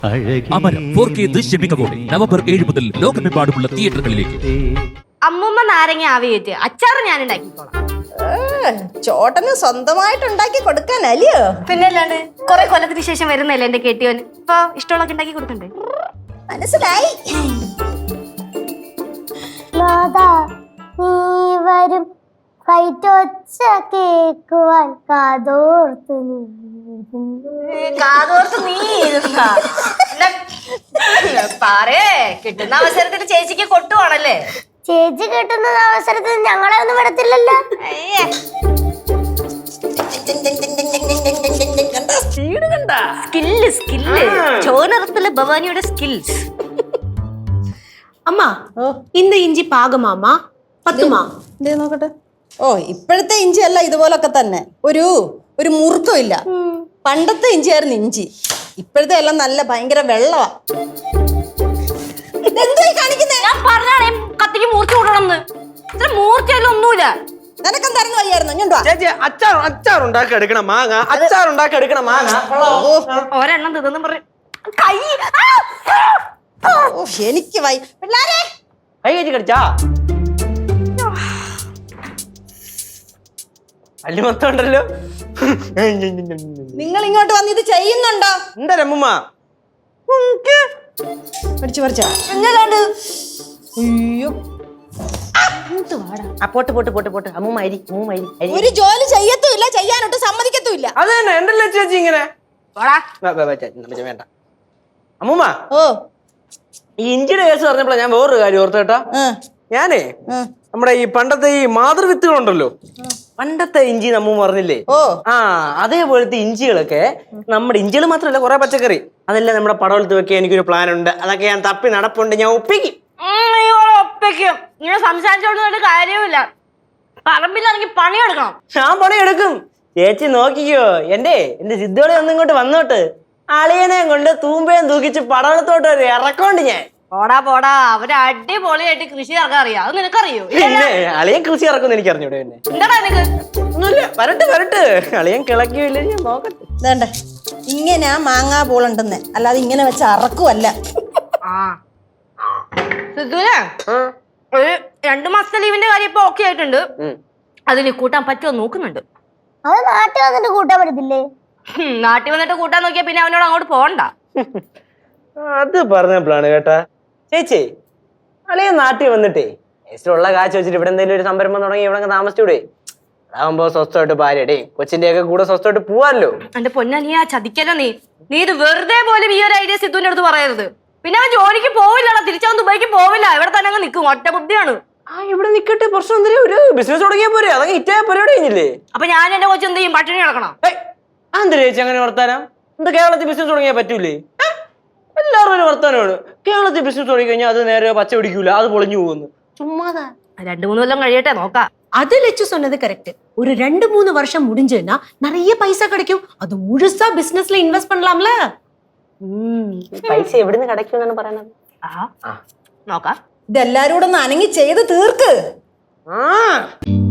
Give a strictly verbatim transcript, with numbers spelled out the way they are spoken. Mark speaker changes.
Speaker 1: അമരം four K ദൃശ്യമികവോടെ November ഏഴ് മുതൽ ലോകമെമ്പാടുമുള്ള തിയേറ്ററുകളിലേക്ക്.
Speaker 2: അമ്മൂമ്മ നാരങ്ങ ആവിയേറ്റ് അച്ചാറ് ഞാൻ ഉണ്ടാക്കിക്കോളാം.
Speaker 3: ചോട്ടന് സ്വന്തമായിട്ട് ഉണ്ടാക്കി കൊടുക്കാനല്ലയോ?
Speaker 2: പിന്നെ അല്ലാണ്ട് കൊറേ കൊല്ലത്തിന് ശേഷം വരുന്നല്ലേ എന്റെ കെട്ടിയോന്. ഇപ്പൊ ഇഷ്ടമുള്ളൊക്കെ ഉണ്ടാക്കി കൊടുക്കണ്ടേ?
Speaker 3: മനസ്സിലായി.
Speaker 4: വരും കൈറ്റൊച്ച കേക്കുവാൻ കാതോർത്തു
Speaker 2: കാതോർത്ത് നീ ഇരുന്നാ പറയേ. കിട്ടുന്ന അവസരത്തിൽ ചേച്ചിക്ക് കൊട്ടുവാണല്ലേ?
Speaker 4: ചേച്ചി കിട്ടുന്ന അവസരത്തിൽ ഞങ്ങളെ ഒന്നും വിടത്തില്ലല്ലോ.
Speaker 2: സ്കില്ല് സ്കില്ല് ചോനറത്തിലെ ഭവാനിയുടെ സ്കിൽസ്.
Speaker 5: அம்மா இந்த இஞ்சி பாகமாமா பத்துமா?
Speaker 3: എന്തേ നോക്കട്ടെ. ഓ ഇപ്പോഴത്തെ ഇഞ്ചി അല്ല ഇതുപോലൊക്കെ തന്നെ. ഒരു ഒരു മുറുക്കം ഇല്ല. പണ്ടത്തെ ഇഞ്ചിയായിരുന്നു ഇഞ്ചി. ഇപ്പോഴത്തെ എല്ലാം നല്ല ഭയങ്കര വെള്ളവാ.
Speaker 2: ഞാൻ പറഞ്ഞാണേ കത്തിക്ക് മൂർച്ച കൂട്ടണമെന്ന്. ഇത്ര മൂർച്ചയെല്ലാം ഒന്നുമില്ല.
Speaker 3: നിനക്കെന്തായിരുന്നു വയ്യായിരുന്നു? ഞാൻ
Speaker 6: ചേച്ചി അച്ചാർ അച്ചാർ ഉണ്ടാക്കി എടുക്കണം മാങ്ങ. അച്ചാർ ഉണ്ടാക്കി എടുക്കണം മാങ്ങ.
Speaker 2: ഒരെണ്ണം തിന്നു പറ കൈ.
Speaker 3: എനിക്ക് വൈ പിള്ളാരെ
Speaker 6: കൈ കയറ്റി കടിച്ചാ അല്ലി മൊത്തം ഉണ്ടല്ലോ.
Speaker 3: നിങ്ങൾ ഇങ്ങോട്ട് വന്ന് ഇത് ചെയ്യുന്നുണ്ടോ?
Speaker 6: എന്താ രമ്മ
Speaker 3: പഠിച്ചു പറിച്ചാ? അയ്യോ
Speaker 6: പോട്ട് പോട്ട് പോട്ട് പോട്ട് അമ്മൂമ്മ അരി അമ്മൂമ്മ അരി അരി.
Speaker 3: ഒരു ജോലി ചെയ്യത്തുമില്ല, ചെയ്യാനൊട്ട് സമ്മതിക്കത്തുമില്ല.
Speaker 6: അത് തന്നെ എന്തല്ലേ ചേച്ചി ഇങ്ങനെ വേണ്ട. അമ്മൂമ്മ
Speaker 3: ഓ
Speaker 6: ഈ ഇഞ്ചിയുടെ കേസ് പറഞ്ഞപ്പോഴാ ഞാൻ വേറൊരു കാര്യം ഓർത്തു കേട്ടാ. ഞാനേ നമ്മുടെ ഈ പണ്ടത്തെ ഈ മാതൃവിത്തുകളുണ്ടല്ലോ, പണ്ടത്തെ ഇഞ്ചി നമ്മ പറഞ്ഞില്ലേ,
Speaker 3: ഓ
Speaker 6: ആ അതേപോലത്തെ ഇഞ്ചികളൊക്കെ നമ്മുടെ ഇഞ്ചികൾ മാത്രമല്ല കുറെ പച്ചക്കറി അതെല്ലാം നമ്മുടെ പടവലത്ത് വെക്കാൻ എനിക്കൊരു പ്ലാൻ ഉണ്ട്. അതൊക്കെ ഞാൻ തപ്പി നടപ്പുണ്ട്, ഞാൻ ഒപ്പിക്കും.
Speaker 2: ഒപ്പിക്കും. ഇങ്ങനെ സംസാരിച്ചോണ്ട് കാര്യമില്ല. പറമ്പിലാണെങ്കിൽ പണിയെടുക്കണം.
Speaker 6: ഞാൻ പണിയെടുക്കും. ചേച്ചി നോക്കിക്കോ. എന്റെ എന്റെ സിദ്ധോളി ഒന്നും ഇങ്ങോട്ട് വന്നോട്ട് അളിയനെ കൊണ്ട് തൂമ്പയും തൂക്കിച്ച് പടവലത്തോട്ട് ഒരു ഇറക്കോണ്ട് ഞാൻ.
Speaker 2: പോടാ പോടാ, അവര് അടിപൊളിയായിട്ട് കൃഷി ഇറക്കാൻ അറിയാം. അത് നിനക്കറിയോ?
Speaker 6: പിന്നെ അളിയൻ കൃഷി ഇറക്കുമെന്ന് എനിക്ക് അറിഞ്ഞൂടെ? പിന്നെ
Speaker 2: എന്താടാ നിനക്ക്?
Speaker 6: ഒന്നുമില്ല, വരട്ട് വരട്ട്. അളിയൻ കിളക്കിയില്ലേ ഞാൻ നോക്കട്ടെ.
Speaker 3: വേണ്ട, ഇങ്ങനെ മാങ്ങാ പൂളുണ്ടെന്ന്, അല്ലാതെ ഇങ്ങനെ വെച്ച് അറക്കുമല്ല.
Speaker 2: ആ സിദ്ധുനെ ഒരു രണ്ടു മാസത്തെ ലീവിന്റെ കാര്യം ഇപ്പൊ ഓക്കെ ആയിട്ടുണ്ട്. അതിന് കൂട്ടാൻ പറ്റുമോ നോക്കുന്നുണ്ട്.
Speaker 4: അത് നാട്ടിൽ വന്നിട്ട് കൂട്ടാൻ പറ്റത്തില്ലേ?
Speaker 2: നാട്ടിൽ വന്നിട്ട് കൂട്ടാൻ നോക്കിയാ പിന്നെ അവനോട് അങ്ങോട്ട് പോകണ്ട.
Speaker 6: അത് പറഞ്ഞപ്പോഴാണ് കേട്ടാ ചേച്ചി, അളിയൻ നാട്ടിൽ വന്നിട്ടേ ഉള്ള കാശ് വെച്ചിട്ട് ഇവിടെ എന്തെങ്കിലും ഒരു സംരംഭം തുടങ്ങി ഇവിടെ താമസിച്ചൂടെ? അതാകുമ്പോ സ്വസ്ഥമായിട്ട് ഭാര്യയുടെ കൊച്ചിന്റെ ഒക്കെ കൂടെ സ്വസ്ഥമായിട്ട് പോവാല്ലോ.
Speaker 2: എന്റെ പൊന്നാ, നീ ആ ചതിക്കല്ലോ. നീ നീ ഇത് വെറുതെ പോലും ഈ ഒരു ഐഡിയ സിദ്ധുവിന്റെ അടുത്ത് പറയരുത്. പിന്നെ അവൻ ജോലിക്ക് പോവില്ലല്ലോ, തിരിച്ചവൻ ദുബൈക്ക് പോവില്ല. ഇവിടെ തന്നെ അങ്ങ് നിൽക്കും. ഒറ്റ ബുദ്ധിയാണ്.
Speaker 6: ആ ഇവിടെ നിക്കട്ടെ, പ്രശ്നം എന്തെങ്കിലും ഒരു ബിസിനസ് തുടങ്ങിയാ പോരെ? അതൊക്കെ ഹിറ്റായ പരിപാടി കഴിഞ്ഞില്ലേ?
Speaker 2: അപ്പൊ ഞാൻ എന്റെ കൊച്ചു എന്ത് ചെയ്യും? പട്ടിണി കിടക്കണം.
Speaker 6: എന്താ ചേച്ചി അങ്ങനെ വർത്താനം? എന്താ കേരളത്തിൽ ബിസിനസ് തുടങ്ങിയാൽ പറ്റൂലേ? എല്ലാവരും ഒരു വർത്താനമാണ്. കേരളത്തിൽ ബിസിനസ് തുടങ്ങി കഴിഞ്ഞാൽ അത് നേരെ പച്ച പിടിക്കൂല, അത് പൊളിഞ്ഞു പോകുന്നു. ചുമ്മാതാ.
Speaker 2: രണ്ടു മൂന്ന് കൊല്ലം കഴിയട്ടെ, നോക്കാം.
Speaker 5: அது லட்சு சொன்னது கரெக்ட். ஒரு ரெண்டு மூணு வருஷம் முடிஞ்சுன்னா நிறைய பைசா கிடைக்கும். அது முழுசா பிசினஸ்ல இன்வெஸ்ட் பண்ணலாம்ல.
Speaker 6: പൈസ എവിടുന്ന് കിടക്കുമെന്നാണ് പറയണത്.
Speaker 2: നോക്കാം.
Speaker 3: ഇതെല്ലാരും കൂടെ ഒന്ന് അനങ്ങി ചെയ്ത് തീർക്ക്.
Speaker 6: ആ